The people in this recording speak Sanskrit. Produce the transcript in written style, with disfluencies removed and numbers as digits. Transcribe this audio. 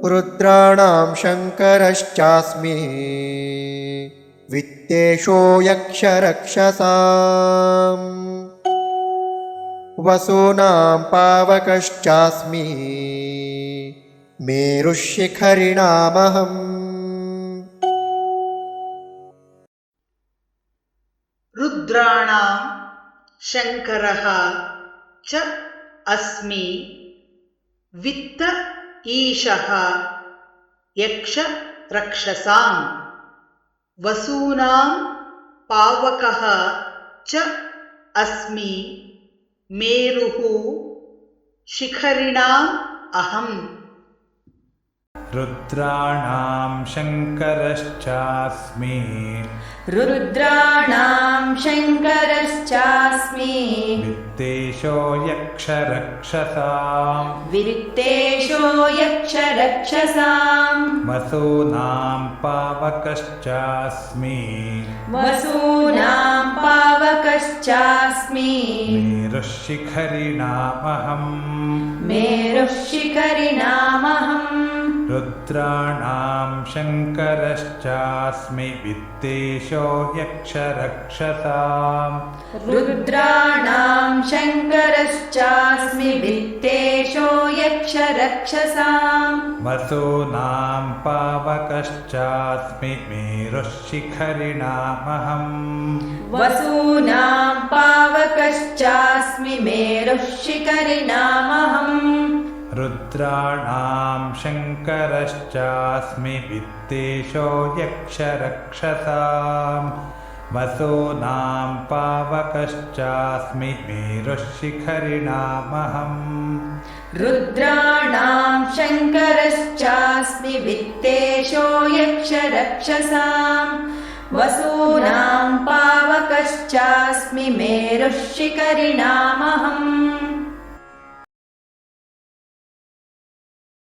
रुद्राणां शङ्करश्चास्मि वित्तेषो यक्षरक्षसाम् वसूनां पावकश्चास्मि मेरुशिखरिणामहम्। रुद्राणां शङ्करः च अस्मि वित्त ईशः यक्ष रक्षसाम् वसूनां पावकः च अस्मि मेरुः शिखरिणाम् अहम्। रुद्राणां शङ्करश्चास्मि रुद्राणां शङ्करश्चास्मि वित्तेशो यक्षरक्षसाम् वित्तेषो यक्षरक्षसाम् वसूनां पावकश्चास्मि वसूनां पावकश्चास्मि मेरुशिखरिणामहम् मेरुशिखरिणामहम्। रुद्राणां शङ्करश्चास्मि वित्तेशो यक्षरक्षसाम् रुद्राणां शङ्करश्चास्मि वित्तेषो यक्षरक्षसाम् वसूनां पावकश्चास्मि मेरुशिखरिणामहम् वसूनां पावकश्चास्मि मेरुशिखरिणामहम्। रुद्राणां शङ्करश्चास्मि वित्तेशो यक्षरक्षसाम् वसूनां पावकश्चास्मि मेरुशिखरिणामहम्। रुद्राणां शङ्करश्चास्मि वित्तेषो यक्षरक्षसाम् वसूनां पावकश्चास्मि मेरुशिखरिणामहम्।